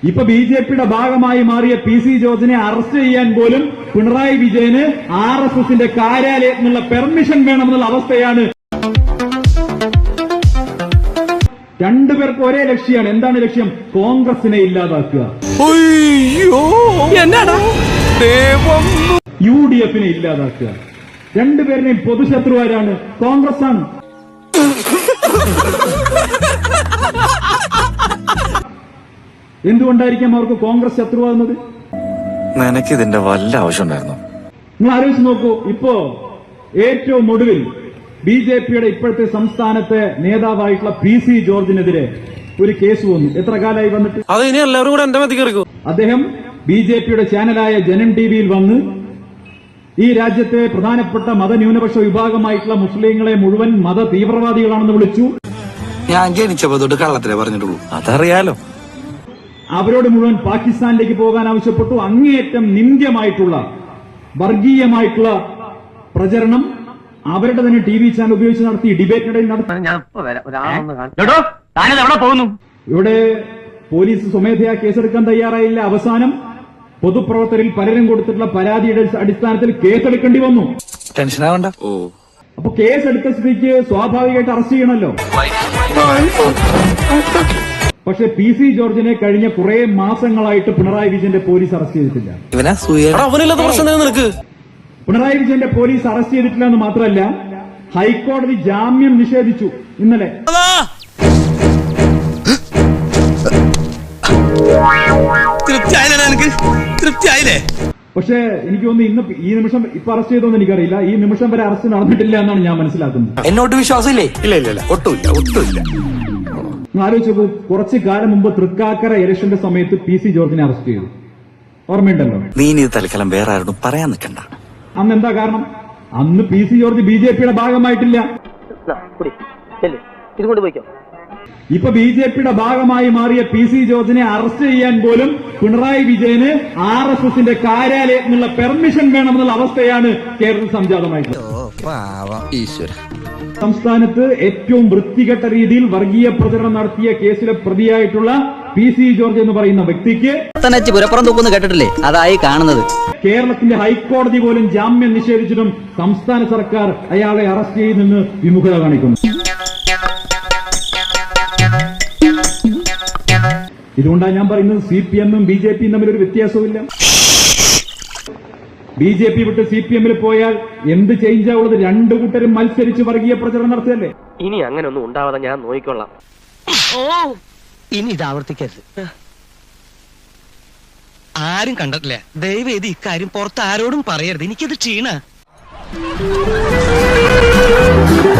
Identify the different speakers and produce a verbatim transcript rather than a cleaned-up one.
Speaker 1: ഇപ്പൊ B J പിയുടെ ഭാഗമായി മാറിയ പി സി ജോർജിനെ അറസ്റ്റ് ചെയ്യാൻ പോലും പിണറായി വിജയന് ആർ എസ് എസിന്റെ കാര്യാലയത്തിനുള്ള പെർമിഷൻ വേണമെന്നുള്ള അവസ്ഥയാണ്. രണ്ടുപേർക്ക് ഒരേ ലക്ഷ്യമാണ്. എന്താണ് ലക്ഷ്യം? കോൺഗ്രസിനെ ഇല്ലാതാക്കുക, യു ഡി എഫിനെ ഇല്ലാതാക്കുക. രണ്ടുപേരുടെയും പൊതുശത്രുവാരാണ്? കോൺഗ്രസ് ആണ്. എന്തുകൊണ്ടായിരിക്കാം അവർക്ക് കോൺഗ്രസ് ശത്രുവാകുന്നത്?
Speaker 2: നിനക്ക് ഇതിന്റെ വല്ല ആവശ്യമുണ്ടായിരുന്നു?
Speaker 1: നിങ്ങൾ ആലോചിച്ച് നോക്കൂ. ഇപ്പോ ഏറ്റവും ഒടുവിൽ ബി ജെ പിയുടെ ഇപ്പോഴത്തെ സംസ്ഥാനത്തെ നേതാവായിട്ടുള്ള പി സി ജോർജിനെതിരെ ഒരു കേസ് വന്നു. എത്ര കാലമായി വന്നിട്ട്?
Speaker 3: അത് ഇനി എല്ലാവരും കൂടെ എന്റെ മതി കയറിക്കോ.
Speaker 1: അദ്ദേഹം ബി ജെ പിയുടെ ചാനലായ ജനം ടി വിയിൽ വന്ന് ഈ രാജ്യത്തെ പ്രധാനപ്പെട്ട മതന്യൂനപക്ഷ വിഭാഗമായിട്ടുള്ള മുസ്ലിങ്ങളെ മുഴുവൻ മത തീവ്രവാദികളാണെന്ന് വിളിച്ചു.
Speaker 2: ഞാൻ ജനിച്ചപ്പോ തൊട്ട് കള്ളത്തിലേ പറഞ്ഞിട്ടുള്ളൂ. അതറിയാലോ.
Speaker 1: അവരോട് മുഴുവൻ പാകിസ്ഥാനിലേക്ക് പോകാൻ ആവശ്യപ്പെട്ടു. അങ്ങേയറ്റം നിന്ദ്യമായിട്ടുള്ള വർഗീയമായിട്ടുള്ള പ്രചരണം അവരുടെ തന്നെ ടി വി ചാനൽ ഉപയോഗിച്ച് നടത്തി. ഡിബേറ്റിനിടയിൽ നടത്തി. ഇവിടെ പോലീസ് സ്വമേധയാ കേസെടുക്കാൻ തയ്യാറായില്ല. അവസാനം പൊതുപ്രവർത്തകരിൽ പലരും കൊടുത്തിട്ടുള്ള പരാതിയുടെ അടിസ്ഥാനത്തിൽ കേസെടുക്കേണ്ടി വന്നു.
Speaker 2: ടെൻഷനാവണ്ട. ഓ
Speaker 1: അപ്പൊ കേസെടുത്ത സ്ഥിതിക്ക് സ്വാഭാവികമായിട്ട് അറസ്റ്റ് ചെയ്യണമല്ലോ. പക്ഷെ പി സി ജോർജിനെ കഴിഞ്ഞ കുറെ മാസങ്ങളായിട്ട് പിണറായി വിജയന്റെ പോലീസ് അറസ്റ്റ് ചെയ്തിട്ടില്ല. പിണറായി വിജയന്റെ പോലീസ് അറസ്റ്റ് ചെയ്തിട്ടില്ല എന്ന് മാത്രമല്ല, ഹൈക്കോടതി ജാമ്യം നിഷേധിച്ചു ഇന്നലെ. പക്ഷേ എനിക്ക് തോന്നുന്നു ഇന്ന് ഈ നിമിഷം ഇപ്പൊ അറസ്റ്റ് ചെയ്തോന്ന് എനിക്കറിയില്ല. ഈ നിമിഷം വരെ അറസ്റ്റ് നടന്നിട്ടില്ല എന്നാണ് ഞാൻ മനസ്സിലാക്കുന്നത്.
Speaker 2: എന്നോട്ട് വിശ്വാസമില്ലേ? ഇല്ല ഇല്ല ഇല്ല ഒട്ടുമില്ല ഒട്ടുമില്ല.
Speaker 1: ആലോചിച്ചു. കുറച്ചു കാലം മുമ്പ് തൃക്കാക്കര ഇലക്ഷന്റെ സമയത്ത് പി സി ജോർജിനെ അറസ്റ്റ് ചെയ്തു. ഓർമ്മയുണ്ടല്ലോ.
Speaker 2: നീ ഇത് തൽക്കാലം വേറെ ആരോടും പറയാൻ നിൽക്കണ്ട.
Speaker 1: അന്ന് എന്താ കാരണം? അന്ന് P C George B J പിയുടെ ഭാഗമായിട്ടില്ല. ഇപ്പൊ ബി ജെ പിയുടെ ഭാഗമായി മാറിയ പി സി ജോർജിനെ അറസ്റ്റ് ചെയ്യാൻ പോലും പിണറായി വിജയന് ആർ എസ് എസിന്റെ കാര്യാലയത്തിനുള്ള പെർമിഷൻ വേണമെന്നുള്ള അവസ്ഥയാണ് കേരളത്തിൽ സംജാതമായിട്ടുള്ളത്. സംസ്ഥാനത്ത് ഏറ്റവും വൃത്തികെട്ട രീതിയിൽ വർഗീയ പ്രചരണം നടത്തിയ കേസിലെ പ്രതിയായിട്ടുള്ള പി സി ജോർജ് എന്ന് പറയുന്ന വ്യക്തിക്ക്
Speaker 4: പുരപ്പുറം തൂക്കുന്നു കേട്ടിട്ടില്ലേ? അതായി കാണുന്നത്.
Speaker 1: കേരളത്തിന്റെ ഹൈക്കോടതി പോലും ജാമ്യം നിഷേധിച്ചിട്ടും സംസ്ഥാന സർക്കാർ അയാളെ അറസ്റ്റ് ചെയ്യുന്നെന്ന് വിമുഖത കാണിക്കുന്നു. ഇതുകൊണ്ടാണ് ഞാൻ പറയുന്നത് സി പി എമ്മും ബി ജെ പിയും തമ്മിൽ ഒരു വ്യത്യാസവുമില്ല. ബി ജെ പി വിട്ട് സി പി എമ്മിൽ പോയാൽ എന്ത് ചേഞ്ചാ ഉള്ളത്? രണ്ടു കൂട്ടരും മത്സരിച്ച് വർഗീയ പ്രചരണം നടത്തിയല്ലേ.
Speaker 3: ഇനി അങ്ങനെ ഒന്നും ഉണ്ടാവാതെ ഞാൻ നോക്കിക്കൊള്ളാം.
Speaker 4: ഇനി ഇത് ആവർത്തിക്കരുത്. ആരും കണ്ടിട്ടില്ല. ദയവേദി ഇക്കാര്യം പുറത്ത് ആരോടും പറയരുത്. എനിക്കത് ക്ഷീണ.